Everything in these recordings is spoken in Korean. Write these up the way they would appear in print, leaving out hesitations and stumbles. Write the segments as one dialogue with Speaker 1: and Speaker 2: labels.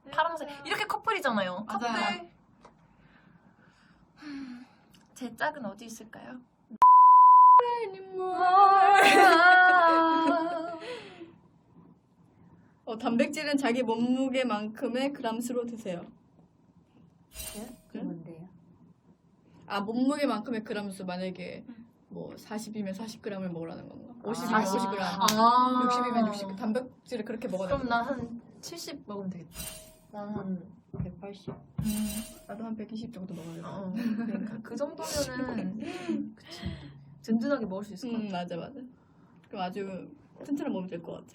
Speaker 1: 파란색 이렇게 커플이잖아요. 커플.
Speaker 2: 맞아요.
Speaker 1: 제 짝은 어디 있을까요?
Speaker 2: 단백질은 자기 몸무게만큼의 그람수로 드세요.
Speaker 3: 그게 뭔데요?
Speaker 2: 아, 몸무게만큼의 그람수. 만약에 뭐 40이면 40g을 먹으라는 건가? 50이면
Speaker 3: 40.
Speaker 2: 50g,
Speaker 1: 아.
Speaker 2: 60이면 60g. 단백질을 그렇게 먹어야 돼.
Speaker 1: 그럼 나 한 70 먹으면 되겠다.
Speaker 3: 나는 180.
Speaker 2: 나도 한 120 정도 먹어야 돼.
Speaker 1: 그러니까 그 정도면은 그치. 든든하게 먹을 수 있을 것 같아.
Speaker 2: 맞아. 그럼 아주 튼튼한 몸이 될 것 같아.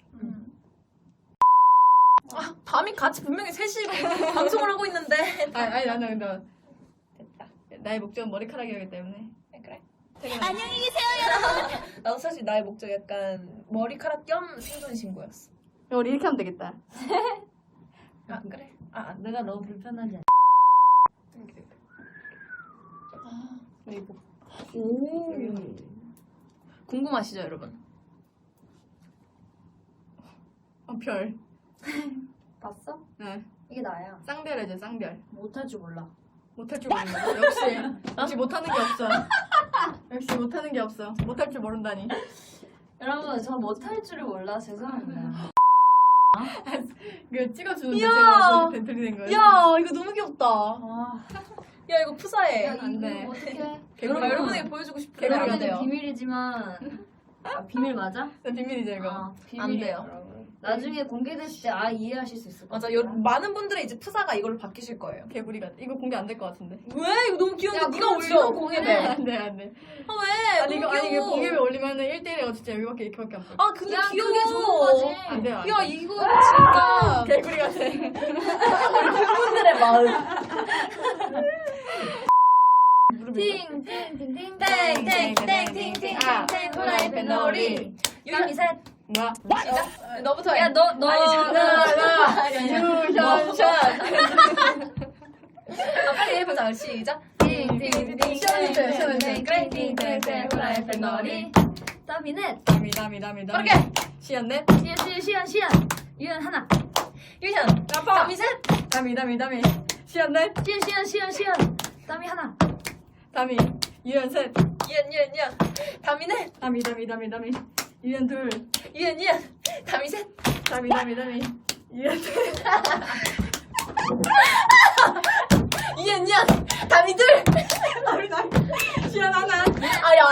Speaker 1: 아, 밤이 같이 분명히 셋이 방송을 하고 있는데.
Speaker 2: 아니 나는
Speaker 1: 됐다.
Speaker 2: 나의 목적은 머리카락이기 때문에.
Speaker 1: 그래.
Speaker 4: 안녕히 계세요, 여러분.
Speaker 1: 나도 사실 나의 목적 약간 머리카락 겸 생존 신고였어.
Speaker 2: 우리 이렇게 하면 되겠다.
Speaker 1: 아 그래?
Speaker 3: 내가 너무 불편하지 않아?
Speaker 2: 이거
Speaker 1: 오. 궁금하시죠, 여러분?
Speaker 2: 별.
Speaker 3: 봤어?
Speaker 2: 네.
Speaker 3: 이게 나야.
Speaker 2: 쌍별이죠, 쌍별.
Speaker 3: 못할 줄 몰라.
Speaker 2: 못할 줄 모르는 역시 못하는 게 없어. 역시 못하는 게 없어. 못할 줄 모른다니.
Speaker 3: 여러분, 저 못할 줄을 몰라. 죄송합니다.
Speaker 2: 이거 찍어주는
Speaker 1: 이야.
Speaker 2: 자체가 벤틀리 된 거예요.
Speaker 1: 야, 이거 너무 귀엽다.
Speaker 3: 아,
Speaker 1: 야, 이거 푸사해.
Speaker 2: 안 돼.
Speaker 3: 어떡해.
Speaker 2: 개구리.
Speaker 1: 여러분에게 보여주고 싶은데
Speaker 2: 개구리
Speaker 1: 안
Speaker 2: 같아요.
Speaker 1: 돼요.
Speaker 3: 비밀이지만. 아, 비밀 맞아?
Speaker 2: 비밀이죠, 이거.
Speaker 3: 아, 비밀이에요,
Speaker 1: 안 돼요.
Speaker 3: 여러분. 나중에 공개됐을 때 이해하실 수 있을 것
Speaker 1: 맞아,
Speaker 3: 같아요.
Speaker 1: 많은 분들이 이제 푸사가 이걸로 바뀌실 거예요.
Speaker 2: 개구리 같아. 이거 공개 안 될 것 같은데.
Speaker 1: 왜? 이거 너무 귀여운데
Speaker 3: 야,
Speaker 1: 네가
Speaker 3: 그럼
Speaker 1: 올려
Speaker 3: 지금
Speaker 1: 공예배.
Speaker 2: 안 돼, 안 돼.
Speaker 1: 아 왜?
Speaker 2: 아니, 이거,
Speaker 1: 너무
Speaker 2: 아니, 이게
Speaker 1: 귀여워.
Speaker 2: 공개에 올리면은 1대1에 진짜 여기밖에 이렇게밖에 안 보여.
Speaker 1: 아 근데
Speaker 3: 야,
Speaker 1: 귀여워.
Speaker 3: 그게 좋은 거지.
Speaker 2: 안 돼요, 안
Speaker 1: 야
Speaker 2: 돼.
Speaker 1: 이거 진짜
Speaker 2: 개구리 같아.
Speaker 1: 팬분들의 마음.
Speaker 3: 팅팅팅팅팅팅팅팅
Speaker 2: 아.
Speaker 3: 후라이팬 놀이
Speaker 1: 유현이 셋.
Speaker 2: 뭐야?
Speaker 1: 시작. 너부터 해.
Speaker 3: 야, 너
Speaker 2: 유현샷.
Speaker 1: 빨리 해보자. 시작.
Speaker 3: 팅팅팅팅팅팅팅팅팅 후라이팬 놀이 더비넷
Speaker 2: 다미.
Speaker 1: 빠르게.
Speaker 2: 시연넷.
Speaker 3: 시연 유연 하나
Speaker 1: 유현. 다미 셋.
Speaker 2: 다미. 시연넷.
Speaker 3: 시연 더비 하나
Speaker 2: 다미. 유연셋.
Speaker 1: 유현. 다미 넷.
Speaker 2: 다미. 유연둘.
Speaker 1: 유현. 다미 셋.
Speaker 2: 다미. 유연셋.
Speaker 1: 유현. 다미 둘.
Speaker 2: 다미. 시연 하나.
Speaker 1: 아야.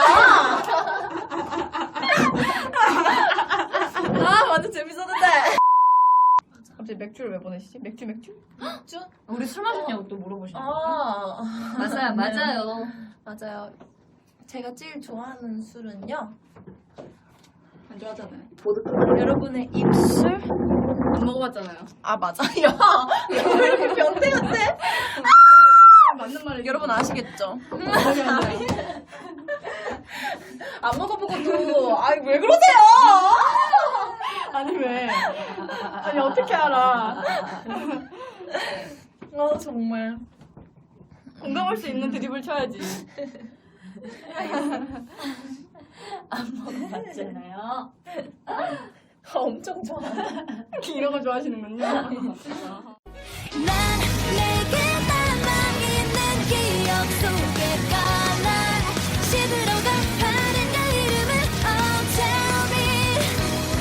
Speaker 1: 아 완전 재밌었는데.
Speaker 2: 갑자기 맥주를 왜 보내시지? 맥주?
Speaker 1: 쭉.
Speaker 3: 우리 술 마셨냐고 또 물어보시네
Speaker 1: 맞아요.
Speaker 3: 맞아요
Speaker 1: 제가 제일 좋아하는 술은요.
Speaker 2: 안 좋아하잖아요.
Speaker 1: 여러분의 입술.
Speaker 2: 안 먹어봤잖아요.
Speaker 1: 아 맞아. 야, 왜 이렇게 변태 같아?
Speaker 2: 맞는 말이
Speaker 1: 여러분 아시겠죠?
Speaker 2: 기억이 안 나요.
Speaker 1: 안 먹어보고도 아이 왜 그러세요?
Speaker 2: 아니 왜? 아니 어떻게 알아?
Speaker 1: 정말.
Speaker 2: 공감할 수 있는 드립을 쳐야지.
Speaker 3: 안 먹어봤잖아요
Speaker 1: 엄청 좋아.
Speaker 2: 이런 거 좋아하시는군요.
Speaker 4: 난 내게